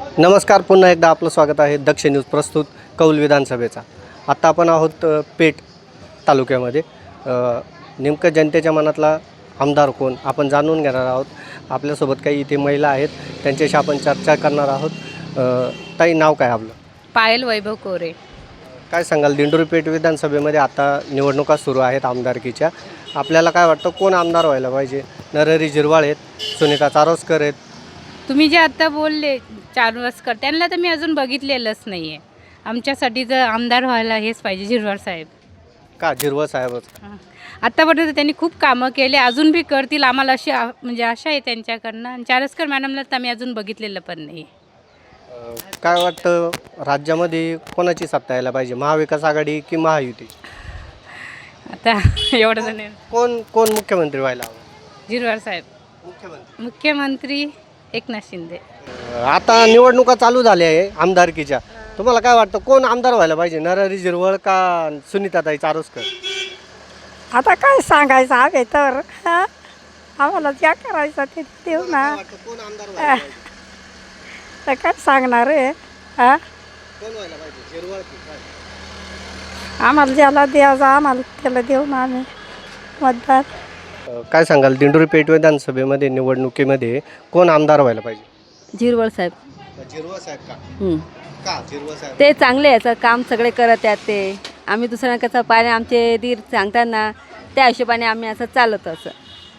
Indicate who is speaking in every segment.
Speaker 1: नमस्कार, पुन्हा एकदा आपलं स्वागत आहे दक्ष न्यूज प्रस्तुत कौल विधानसभेचा। आत्ता आपण आहोत पेठ तालुक्यामध्ये। नेमकं जनतेच्या मनातला आमदार कोण आपण जाणून घेणार आहोत। आपल्यासोबत काही इथे महिला आहेत, त्यांच्याशी आपण चर्चा करणार आहोत। ताई, नाव काय आपलं?
Speaker 2: पायल वैभव कोरे।
Speaker 1: काय सांगाल, दिंडोरी पेठ विधानसभेमध्ये आता निवडणुका सुरू आहेत आमदारकीच्या। आपल्याला काय वाटतं, कोण आमदार व्हायला पाहिजे? नरहरी झिरवाळ आहेत, सुनीता चारोस्कर आहेत।
Speaker 2: तुम्ही जे आता बोलले चारोस्कर, त्यांना तर मी अजून बघितलेलंच नाही आहे। आमच्यासाठी जर आमदार व्हायला हेच पाहिजे, झिरवाळ साहेब।
Speaker 1: का झिरवाळ साहेबच?
Speaker 2: आत्तापर्यंत त्यांनी खूप कामं केले, अजून बी करतील, आम्हाला अशी म्हणजे आशा आहे त्यांच्याकडनं। आणि चारोस्कर मॅडमला तर आम्ही अजून बघितलेलं पण नाही।
Speaker 1: काय वाटतं, राज्यामध्ये कोणाची सत्ता यायला पाहिजे, महाविकास आघाडी की महायुती?
Speaker 2: आता एवढं जण
Speaker 1: कोण कोण मुख्यमंत्री व्हायला हवं?
Speaker 2: झिरवाळ साहेब मुख्यमंत्री, एकनाथ शिंदे।
Speaker 1: आता निवडणुका चालू झाल्या आहे आमदारकीच्या, तुम्हाला काय वाटतं कोण आमदार व्हायला पाहिजे, नरहरी झिरवाळ का सुनीताताई चारोस्कर?
Speaker 3: आता काय सांगायचं आहे तर आम्हाला ज्या करायचं ते देऊ ना।
Speaker 1: कोण आमदार व्हायला पाहिजे?
Speaker 3: तर काय सांगणार आहे
Speaker 1: कोण व्हायला पाहिजे, झिरवाळ की काय?
Speaker 3: आम्हाला ज्याला द्यायचं आम्हाला त्याला देऊ ना आम्ही मतदार।
Speaker 1: काय सांगाल, दिंडोरी पेठ विधानसभेमध्ये निवडणुकीमध्ये कोण आमदार व्हायला पाहिजे?
Speaker 4: झिरवाळ साहेब।
Speaker 1: झिरवाळ साहेब का? का झिरवाळ साहेब?
Speaker 4: ते चांगले याचं काम सगळे करत आहेत ते। आम्ही दुसऱ्यांना कसं पाहिजे, आमचे दीर सांगताना त्या हिशोबाने आम्ही असं चालत असं।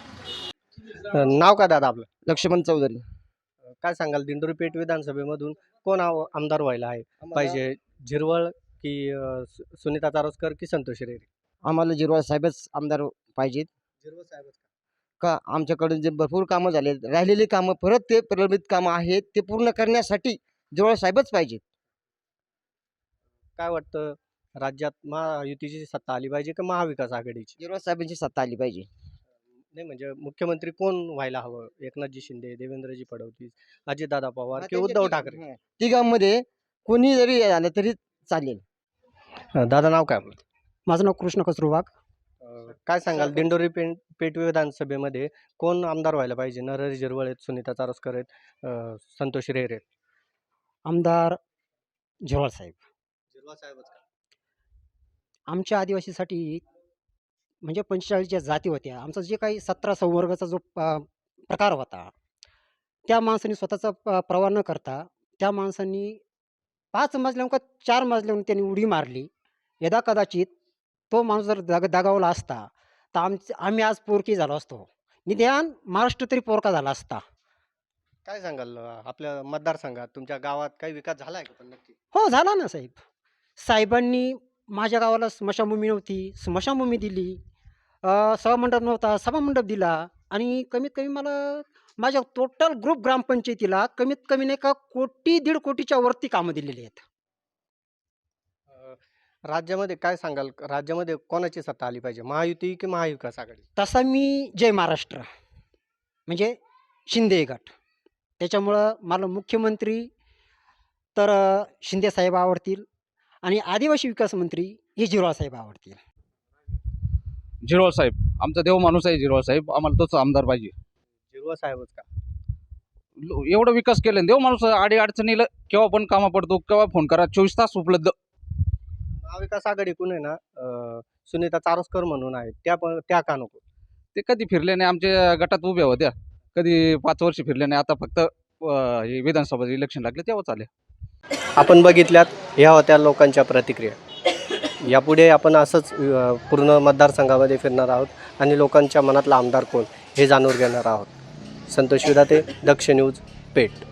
Speaker 1: नाव काय दादा आपलं?
Speaker 5: लक्ष्मण चौधरी।
Speaker 1: काय सांगाल, दिंडोरी पेठ विधानसभेमधून कोण आमदार व्हायला आहे पाहिजे, झिरवाळ की सुनीता चारोस्कर की संतोष रेरे?
Speaker 5: आम्हाला झिरवाळ साहेबच आमदार पाहिजेत।
Speaker 1: झिरवाळ साहेबच
Speaker 5: का आमच्याकडून जे भरपूर कामं झाले, राहिलेली कामं परत ते प्रलंबित कामं आहेत ते पूर्ण करण्यासाठी झिरवाळ साहेबच पाहिजेत।
Speaker 1: काय वाटतं, राज्यात महायुतीची सत्ता आली पाहिजे का महाविकास आघाडीची?
Speaker 5: झिरवाळ साहेबांची सत्ता आली पाहिजे।
Speaker 1: नाही म्हणजे मुख्यमंत्री कोण व्हायला हवं, एकनाथजी शिंदे, देवेंद्रजी फडणवीस, अजितदादा पवार की उद्धव ठाकरे?
Speaker 5: तिघांमध्ये कोणी जरी आलं तरी चालेल।
Speaker 1: दादा, नाव काय आपलं?
Speaker 6: माझं नाव कृष्ण कसरूवाग।
Speaker 1: काय सांगाल, दिंडोरी पेठ विधानसभेमध्ये कोण आमदार व्हायला पाहिजे? नरहरी झिरवाळ आहेत, सुनीता चारोस्कर आहेत, संतोष रेरे आहेत।
Speaker 6: आमदार झिरवाळ साहेब।
Speaker 1: झिरवाळ साहेबच का?
Speaker 6: आमच्या आदिवासीसाठी म्हणजे 45 ज्या जाती होत्या, आमचा जे काही 17 संवर्गाचा जो प्रकार होता, त्या माणसांनी स्वतःचा प्रवाह न करता त्या माणसांनी 5 मजल्याहून का 4 मजल्याहून त्यांनी उडी मारली। यदा कदाचित तो माणूस जर दगावला असता तर आम्ही आज पोरकी झालो असतो, निदान महाराष्ट्र तरी पोरका झाला असता।
Speaker 1: काय सांगाल, आपल्या मतदारसंघात तुमच्या गावात काही विकास झाला आहे का पण नक्की?
Speaker 6: हो, झाला ना साहेब। साहेबांनी माझ्या गावाला स्मशानभूमी नव्हती, स्मशानभूमी दिली। सभामंडप नव्हता, सभामंडप दिला। आणि कमीत कमी मला माझ्या टोटल ग्रुप ग्रामपंचायतीला कमीत कमी नाही का 1.5 कोटीच्या वरती कामं दिलेली आहेत।
Speaker 1: राज्यामध्ये काय सांगाल, राज्यामध्ये कोणाची सत्ता आली पाहिजे, महायुती की महाविकास आघाडी?
Speaker 6: तसा मी जय महाराष्ट्र म्हणजे शिंदे गट, त्याच्यामुळं मला मुख्यमंत्री तर शिंदे साहेब आवडतील आणि आदिवासी विकास मंत्री हे झिरवाळ साहेब आवडतील।
Speaker 7: झिरवाळ साहेब आमचा देव माणूस आहे। झिरवाळ साहेब आम्हाला तोच आमदार पाहिजे।
Speaker 1: झिरवाळ साहेबच का?
Speaker 7: एवढं विकास केलं देव माणूस, आडी अडचणीला केव्हा पण कामा पडतो, केव्हा फोन करा, 24 तास उपलब्ध।
Speaker 1: महाविकास आघाडीकडून आहे ना, सुनीता चारोस्कर म्हणून आहेत, त्या का नको?
Speaker 7: ते कधी फिरले नाही, आमच्या गटात उभ्या होत्या, कधी 5 वर्ष फिरले नाही। आता फक्त हे विधानसभा इलेक्शन लागले तेव्हा आले।
Speaker 1: आपण बघितल्यात, ह्या होत्या लोकांच्या प्रतिक्रिया। यापुढे आपण असंच पूर्ण मतदारसंघामध्ये फिरणार आहोत आणि लोकांच्या मनातला आमदार कोण हे जाणून घेणार आहोत। संतोष विधाते, दक्ष न्यूज, पेठ।